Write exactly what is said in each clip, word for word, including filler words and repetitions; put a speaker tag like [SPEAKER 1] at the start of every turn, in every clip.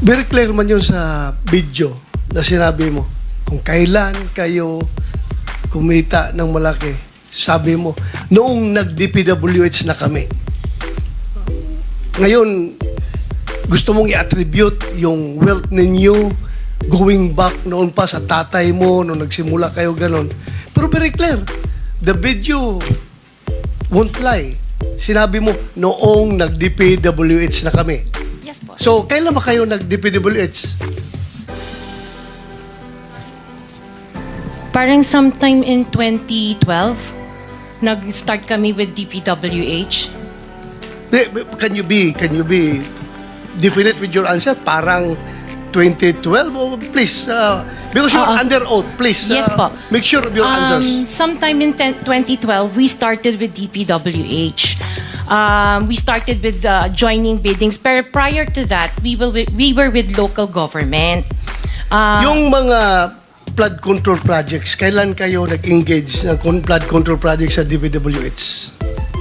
[SPEAKER 1] Very clear man yun sa video na sinabi mo. Kung kailan kayo kumita ng malaki, sabi mo, noong nag-D P W H na kami. Ngayon, gusto mong i-attribute yung wealth ninyo going back noon pa sa tatay mo, noong nagsimula kayo ganon. Pero very clear, the video won't lie. Sinabi mo, noong nag-D P W H na kami.
[SPEAKER 2] Yes po.
[SPEAKER 1] So, kailan ba kayo nag-D P W H?
[SPEAKER 2] Parang sometime in twenty twelve, nag-start kami with D P W H.
[SPEAKER 1] Can you be, can you be definite with your answer? Parang twenty twelve? Oh, please, uh, because you're
[SPEAKER 2] Oo.
[SPEAKER 1] under oath, please.
[SPEAKER 2] Yes
[SPEAKER 1] uh,
[SPEAKER 2] po.
[SPEAKER 1] Make sure of your answers.
[SPEAKER 2] Um, sometime in twenty twelve, we started with D P W H. Um, we started with uh, joining biddings. Pero prior to that, we, will, we were with local government. Uh,
[SPEAKER 1] Yung mga flood control projects, kailan kayo nag-engage ng con- flood control projects sa D P W H?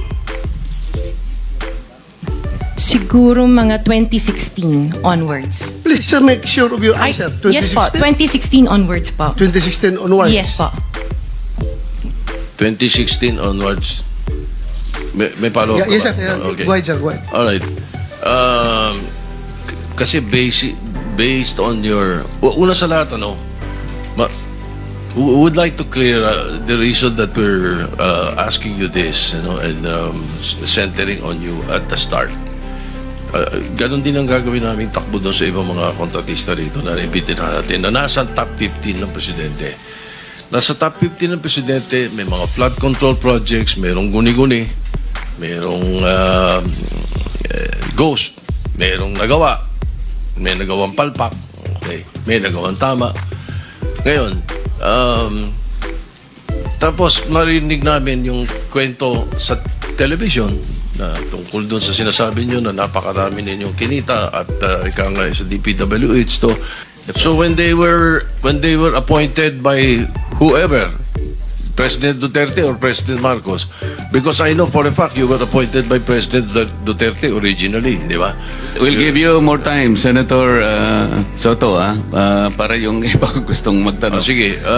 [SPEAKER 2] siguro mga twenty sixteen onwards.
[SPEAKER 1] Please uh, make sure of your
[SPEAKER 2] Ay,
[SPEAKER 1] answer.
[SPEAKER 2] yes po, twenty sixteen onwards po.
[SPEAKER 1] twenty sixteen onwards?
[SPEAKER 2] Yes po.
[SPEAKER 3] twenty sixteen onwards. May, may follow-up
[SPEAKER 1] Yeah, yes,
[SPEAKER 3] ka
[SPEAKER 1] sir.
[SPEAKER 3] ba?
[SPEAKER 1] Yeah,
[SPEAKER 3] Okay.
[SPEAKER 1] Go ahead, sir. Go ahead.
[SPEAKER 3] Alright. Um, k- kasi basic, based on your... u- Una sa lahat, ano, ma, w- would like to clear uh, the reason that we're uh, asking you this, you know, and um, s- centering on you at the start. Uh, ganon din ang gagawin namin takbo doon sa ibang mga kontratista rito na ibitin natin na nasa top fifteen ng presidente. Nasa top fifteen ng presidente, may mga flood control projects, mayroong guni-guni, mayroong uh, eh, ghost, mayroong nagawa, may nagawang palpak, okay, may nagawang tama. Ngayon, um, tapos marinig namin yung kwento sa television na tungkol doon sa sinasabi nyo na napakarami ninyong kinita at uh, ika nga sa D P W H to. So when they were when they were appointed by whoever, President Duterte or President Marcos, because I know for a fact you were appointed by President Duterte originally, di ba?
[SPEAKER 4] We'll give you more time, Senator uh, Soto, ah, uh, para yung iba gustong
[SPEAKER 3] Oh,
[SPEAKER 4] magtanong.
[SPEAKER 3] sige. Uh,